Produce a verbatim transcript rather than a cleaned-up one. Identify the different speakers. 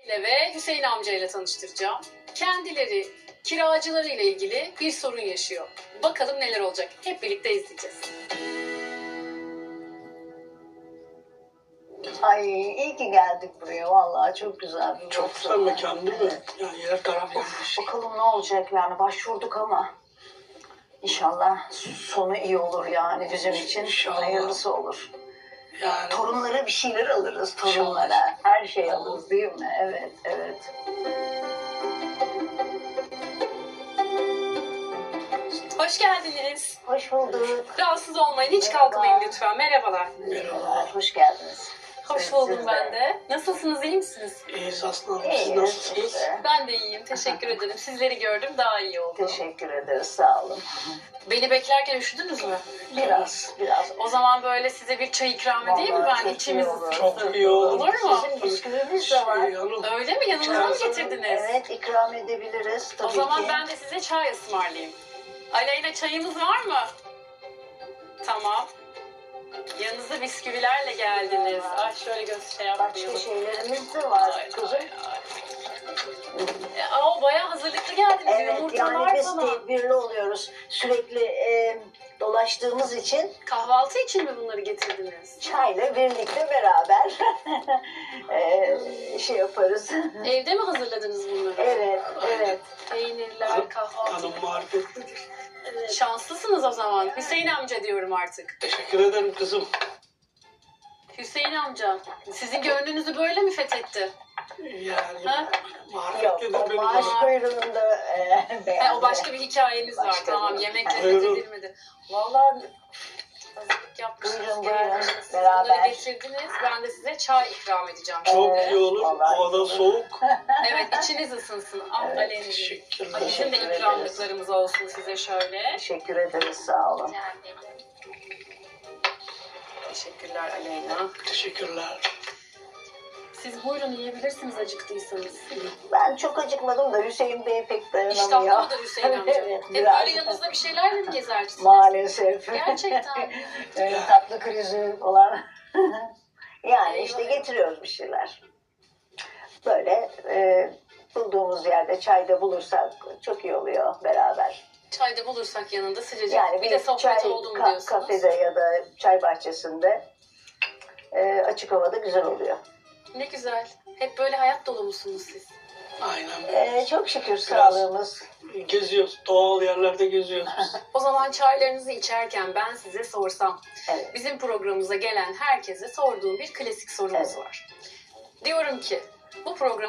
Speaker 1: Öncelikle ve Hüseyin amcayla tanıştıracağım. Kendileri kiracılarıyla ilgili bir sorun yaşıyor. Bakalım neler olacak. Hep birlikte izleyeceğiz.
Speaker 2: Ay iyi ki geldik buraya. Vallahi çok güzel bir
Speaker 3: Çok
Speaker 2: burası.
Speaker 3: güzel mekan değil mi? Yani yer taraf yanlış.
Speaker 2: Bakalım ne olacak yani. Başvurduk ama İnşallah sonu iyi olur yani bizim için.
Speaker 3: İnşallah.
Speaker 2: Hayırlısı olur.
Speaker 3: Yani
Speaker 2: Torunlara bir şeyler alırız torunlara.
Speaker 3: İnşallah.
Speaker 2: Her şey alırız değil mi? Evet, evet.
Speaker 1: Hoş geldiniz.
Speaker 2: Hoş bulduk.
Speaker 1: Rahatsız olmayın. Hiç
Speaker 2: Merhaba.
Speaker 1: kalkmayın lütfen. Merhabalar.
Speaker 2: Merhabalar, hoş geldiniz.
Speaker 1: Hoş
Speaker 2: Siz-
Speaker 1: buldum
Speaker 2: siz
Speaker 1: ben de. Nasılsınız? İyi misiniz?
Speaker 3: iyiyiz aslında. Siz
Speaker 2: İyiyiz
Speaker 3: nasılsınız?
Speaker 2: işte.
Speaker 1: Ben de iyiyim. Teşekkür ederim. Sizleri gördüm. Daha iyi oldum.
Speaker 2: Teşekkür ederiz, sağ olun.
Speaker 1: Beni beklerken üşüdünüz mü?
Speaker 2: Biraz, biraz.
Speaker 1: O zaman böyle size bir çay ikram edeyim mi
Speaker 2: Vallahi
Speaker 1: ben?
Speaker 2: çok
Speaker 1: İçimiz
Speaker 2: iyi olur.
Speaker 1: ısınsın.
Speaker 3: Çok iyi olur.
Speaker 1: Olur mu?
Speaker 2: Sizin bisküviniz de var.
Speaker 3: Şey, hanım,
Speaker 1: Öyle mi? Yanınıza mı getirdiniz?
Speaker 2: Evet, ikram edebiliriz tabii
Speaker 1: O zaman
Speaker 2: ki.
Speaker 1: ben de size çay ısmarlayayım. Aleyna, çayımız var mı? Tamam. Yanınızda bisküvilerle geldiniz. Ay şöyle göz şey
Speaker 2: Başka
Speaker 1: yapmayalım.
Speaker 2: şeylerimiz de var
Speaker 1: Ay,
Speaker 2: kızım.
Speaker 1: ay, ay. E, Aa, bayağı hazırlıklı geldiniz.
Speaker 2: Evet,
Speaker 1: Yumurtalar
Speaker 2: yani biz
Speaker 1: falan.
Speaker 2: tedbirli oluyoruz. Sürekli e, dolaştığımız için
Speaker 1: Kahvaltı için mi bunları getirdiniz?
Speaker 2: çayla birlikte beraber e, şey yaparız.
Speaker 1: Evde mi hazırladınız bunları?
Speaker 2: Evet, evet.
Speaker 1: Peynirler, kahvaltı.
Speaker 3: hanım marifetlidir.
Speaker 2: evet.
Speaker 1: Şanslısınız o zaman. Hüseyin amca diyorum artık.
Speaker 3: Teşekkür ederim kızım.
Speaker 1: Hüseyin amca, sizin gönlünüzü böyle mi fethetti?
Speaker 3: Yani
Speaker 1: Ha?
Speaker 2: Yok,
Speaker 3: marifetlidir
Speaker 2: o
Speaker 3: benim
Speaker 2: maaş
Speaker 3: hanım.
Speaker 2: kuyruğunda e,
Speaker 1: He,
Speaker 2: beğendi.
Speaker 1: o başka bir hikayeniz var.
Speaker 2: Başka
Speaker 1: Tamam,
Speaker 2: bir-
Speaker 1: yemekle
Speaker 3: Buyurun.
Speaker 1: fethedilmedi. Vallahi hazırlık yapmışsınız.
Speaker 2: Buyurun,
Speaker 1: geldiniz.
Speaker 2: buyurun.
Speaker 1: Siz
Speaker 2: Beraber.
Speaker 1: bunları getirdiniz. Ben de size çay ikram edeceğim.
Speaker 3: Çok
Speaker 2: Evet,
Speaker 3: iyi olur.
Speaker 2: vallahi.
Speaker 3: Havada soğuk.
Speaker 1: Evet, içiniz ısınsın. Al
Speaker 2: Evet,
Speaker 1: Aleyna'cığım.
Speaker 3: Teşekkürler.
Speaker 1: Bizim de
Speaker 2: Teşekkür
Speaker 1: ikramlıklarımız olsun size şöyle.
Speaker 2: Teşekkür ederiz, sağ olun.
Speaker 1: Teşekkürler Aleyna.
Speaker 3: Teşekkürler.
Speaker 1: Siz buyurun, yiyebilirsiniz acıktıysanız.
Speaker 2: Ben çok acıkmadım da Hüseyin Bey pek dayanamıyor.
Speaker 1: İştahlı mıdır Hüseyin amca?
Speaker 2: Evet,
Speaker 1: Hep
Speaker 2: biraz.
Speaker 1: böyle yanınızda bir şeylerle mi gezersiniz?
Speaker 2: Maalesef.
Speaker 1: Gerçekten.
Speaker 2: Öyle tatlı krizi olan. Yani
Speaker 1: Eyvah.
Speaker 2: işte getiriyoruz bir şeyler. Böyle e, bulduğumuz yerde çayda bulursak çok iyi oluyor beraber.
Speaker 1: Çayda bulursak yanında sıcacık.
Speaker 2: Yani
Speaker 1: bir de sohbet
Speaker 2: çay
Speaker 1: oldu mu
Speaker 2: ka-
Speaker 1: diyorsunuz.
Speaker 2: kafede ya da çay bahçesinde e, açık havada güzel oluyor.
Speaker 1: Ne güzel. Hep böyle hayat dolu musunuz siz?
Speaker 3: Aynen böyle.
Speaker 2: E, çok şükür sağlığımız.
Speaker 3: Geziyoruz. Doğal yerlerde geziyoruz biz.
Speaker 1: O zaman çaylarınızı içerken ben size sorsam,
Speaker 2: Evet.
Speaker 1: bizim programımıza gelen herkese sorduğum bir klasik sorumuz
Speaker 2: Evet.
Speaker 1: var. Diyorum ki, bu program